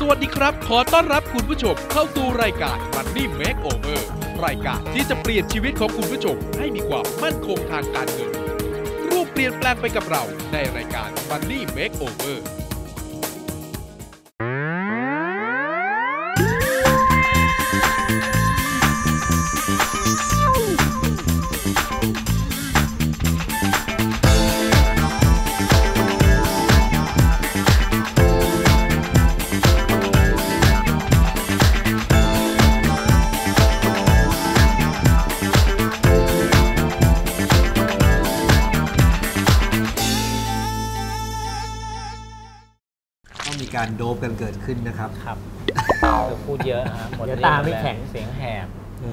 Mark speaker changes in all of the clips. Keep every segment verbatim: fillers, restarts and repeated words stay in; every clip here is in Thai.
Speaker 1: วัสดีครับขอต้อนรับคุณผู้ชมเข้าสู่รายการ Money Makeover รายการที่จะเปลี่ยนชีวิตของคุณผู้ชมให้มีความมั่นคงทางการเงินร่วมเปลี่ยนแปลงไปกับเราในรายการ Money Makeover
Speaker 2: การโดบกันเกิดขึ้นนะครับ
Speaker 3: ครับจะพูดเยอะฮะหมดตาไม่แข็งเสียงแหบ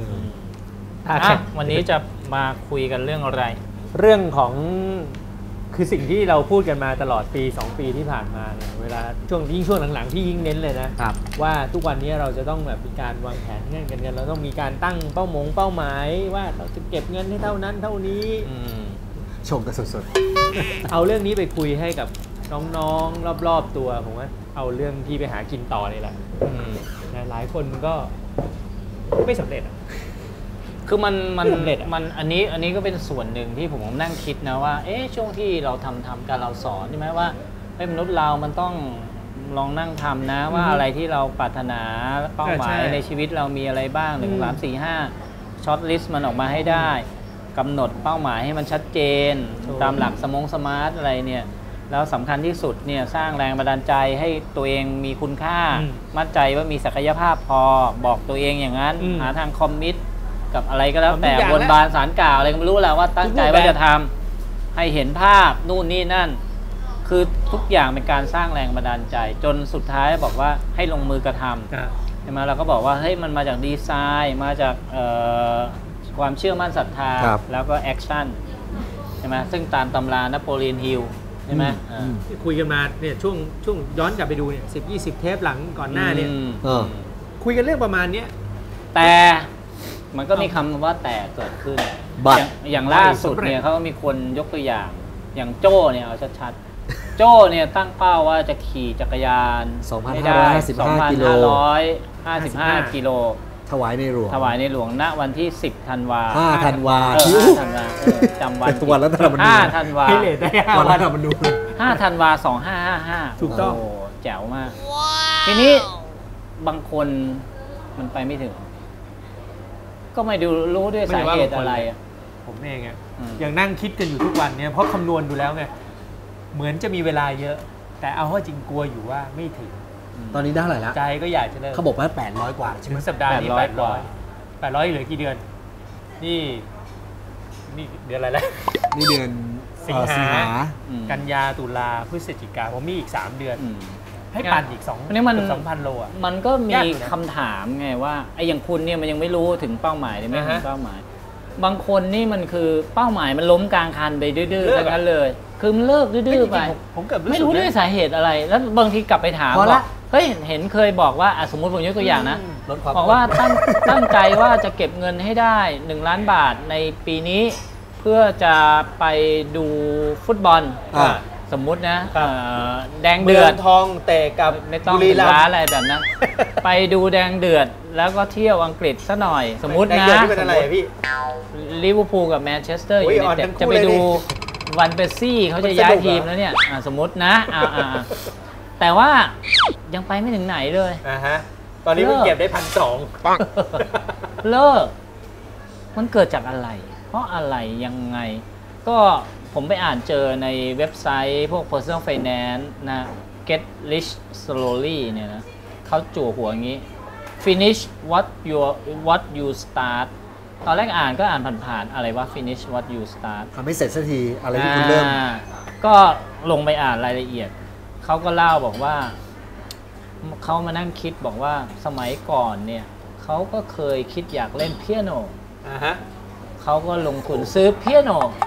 Speaker 3: วันนี้จะมาคุยกันเรื่องอะไร
Speaker 4: เรื่องของคือสิ่งที่เราพูดกันมาตลอดปีสองปีที่ผ่านมาเนี่ยเวลาช่วงยิ่งช่วงหลังๆที่ยิ่งเน้นเลยนะว่าทุกวันนี้เราจะต้องแบบมีการวางแผนเงินกันเงินเราต้องมีการตั้งเป้าหมงเป้าหมายว่าเราจะเก็บเงินให้เท่านั้นเท่านี้
Speaker 2: ชมกันสด
Speaker 4: ๆเอาเรื่องนี้ไปคุยให้กับน้องๆรอบๆตัวผมว่าเอาเรื่องที่ไปหากินต่อเลยแหละหลายคนก็ไม่สำเร็จ
Speaker 3: คือมันมันมันอันนี้อันนี้ก็เป็นส่วนหนึ่งที่ผมนั่งคิดนะว่าเอ๊ะช่วงที่เราทำทำการเราสอนใช่ไหมว่าให้มนุษย์เรามันต้องลองนั่งทำนะว่าอะไรที่เราปรารถนาเป้าหมายในชีวิตเรามีอะไรบ้างหนึ่งสามสี่ห้าช็อตลิสต์มันออกมาให้ได้กำหนดเป้าหมายให้มันชัดเจนตามหลักสมองสมาร์ทอะไรเนี่ยแล้วสำคัญที่สุดเนี่ยสร้างแรงบันดาลใจให้ตัวเองมีคุณค่ามั่นใจว่ามีศักยภาพพอบอกตัวเองอย่างนั้นหาทางคอมมิตกับอะไรก็แล้วแต่บนบานสารกล่าวอะไรก็ไม่รู้แหละว่าตั้งใจว่าจะทำให้เห็นภาพนู่นนี่นั่นคือทุกอย่างเป็นการสร้างแรงบันดาลใจจนสุดท้ายบอกว่าให้ลงมือกระทำใช่ไหมเราก็บอกว่าเฮ้ยมันมาจากดีไซน์มาจากความเชื่อมั่นศรัทธาแล้วก็แอคชั่นใช่ไหมซึ่งตามตำรานโปเลียนฮิลใช่ไหม
Speaker 4: คุยกันมาเนี่ยช่วงช่วงย้อนกลับไปดูเนี่ยสิบยี่สิบเทปหลังก่อนหน้าเนี่ยคุยกันเรื่องประมาณนี้
Speaker 3: แต่มันก็มีคำว่าแต่เกิดขึ้นอย่างอย่างล่าสุดเนี่ยเขาก็มีคนยกตัวอย่างอย่างโจ้เนี่ยเอาชัดๆโจ้เนี่ยตั้งเป้าว่าจะขี่จักรยาน
Speaker 2: สองพันห้าร้อยห้าสิบห้ากิโล
Speaker 3: ห้าสิบห้ากิโล
Speaker 2: ถวายในหลวง
Speaker 3: ถวายในหลวงณวันที่สิบธันวา
Speaker 2: ห้าธันวา
Speaker 3: ธันวาจำวัน
Speaker 2: วันรัฐธรรมนูญ
Speaker 3: ห้าธันวา
Speaker 2: วันรัฐธรรมนูญ
Speaker 3: ห้าธันวาสองห้าห้าห้า
Speaker 4: ถูกต้อง
Speaker 3: แจ๋วมากทีนี้บางคนมันไปไม่ถึงก็ไม่ดูรู้ด้วยสาเหตุอะไร
Speaker 4: ผมเองอ่ะยังนั่งคิดกันอยู่ทุกวันเนี่ยเพราะคำนวณดูแล้วไงเหมือนจะมีเวลาเยอะแต่เอาว่าจริงกลัวอยู่ว่าไม่ถึง
Speaker 2: ตอนนี้ได้เท่าไหร่แล้ว
Speaker 4: ใจก็อยากจะเลิก
Speaker 2: เขาบอกว่าแปดร้อยกว่าใช่ไหม
Speaker 4: สัปดาห์นี้แปดร้อยแปดร้อยเหลือกี่เดือนนี่นี่เดือนอะไรแล้ว
Speaker 2: นี่เดือน
Speaker 4: สิงหากันยาตุลาพฤศจิกาผมมีอีกสามเดือนให้ปั่นอีกสอง
Speaker 3: นี่มัน
Speaker 4: สองพันโลอ่ะ
Speaker 3: มันก็มีคำถามไงว่าไอ้อย่างคุณเนี่ยมันยังไม่รู้ถึงเป้าหมายเลยไม่ถึงเป้าหมายบางคนนี่มันคือเป้าหมายมันล้มกลางคันไปดื้อๆทั้งนั้นเลยคือมันเลิกดื้อๆไป
Speaker 4: ผมเกิด
Speaker 3: ไม่รู้ด้วยสาเหตุอะไรแล้วบางทีกลับไปถามว่าเฮ้ยเห็นเคยบอกว่าสมมติผมยกตัวอย่างนะบอกว่าตั้งตั้งใจว่าจะเก็บเงินให้ได้หนึ่งล้านบาทในปีนี้เพื่อจะไปดูฟุตบอลสมมุตินะแดงเดือด
Speaker 4: ทองเตะกับ
Speaker 3: ไม่ต้องถึงร้านอะไรแบบนั้นไปดูแดงเดือดแล้วก็เที่ยวอังกฤษซะหน่อยสมมุตินะลิเวอร์พูลกับแมนเชสเตอร์ยูไนเต็ดจะไปดูวันเปซี่เขาจะย้ายทีมแล้วเนี่ยสมมตินะแต่ว่ายังไปไม่ถึงไหนเลย
Speaker 4: ตอนนี้มันเก็บได้พันสอง
Speaker 3: เลิกมันเกิดจากอะไรเพราะอะไรยังไงก็ผมไปอ่านเจอในเว็บไซต์พวก personal finance นะ get rich slowly เนี่ยนะเขาจู่หัวอย่างนี้ finish what you what you start ตอนแรกอ่านก็อ่านผ่านๆอะไรว่า finish what you start
Speaker 2: ทำให้เสร็จสักทีอะไรที่คุณเริ่ม
Speaker 3: ก็ลงไปอ่านรายละเอียดเขาก็เล่าบอกว่าเขามานั่งคิดบอกว่าสมัยก่อนเนี่ยเขาก็เคยคิดอยากเล่นเปียโนเขาก็ลงทุนซื้อเปียโน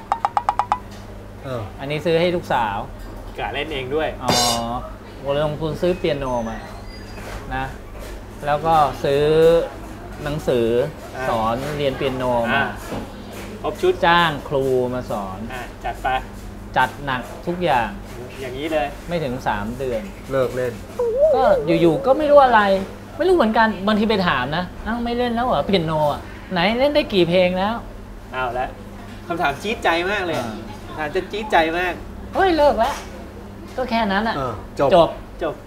Speaker 3: อันนี้ซื้อให้ลูกสาว
Speaker 4: กะเล่นเองด้วย
Speaker 3: อ๋อลงทุนซื้อเปียโนมานะแล้วก็ซื้อหนังสือสอนเรียนเปียโนมา
Speaker 4: ครบชุด
Speaker 3: จ้างครูมาสอน
Speaker 4: จัดไป
Speaker 3: จัดหนักทุกอย่าง
Speaker 4: อย่างนี้เลย
Speaker 3: ไม่ถึงสามเดือน
Speaker 2: เลิกเล่น
Speaker 3: ก็อยู่ๆก็ไม่รู้อะไร ไม่รู้เหมือนกันบางทีไปถามนะอ้าวไม่เล่นแล้วเหรอเปียโนอ่ะไหนเล่นได้กี่เพลงแล้ว
Speaker 4: เอาละคำถามจี๊ดใจมากเลย
Speaker 3: อ่า
Speaker 4: คำถามจะจี๊ดใจมาก
Speaker 3: เฮ้ยเลิกแล้วก็แค่นั้นอ่ะ
Speaker 2: เออจบ
Speaker 3: จบ
Speaker 4: จบ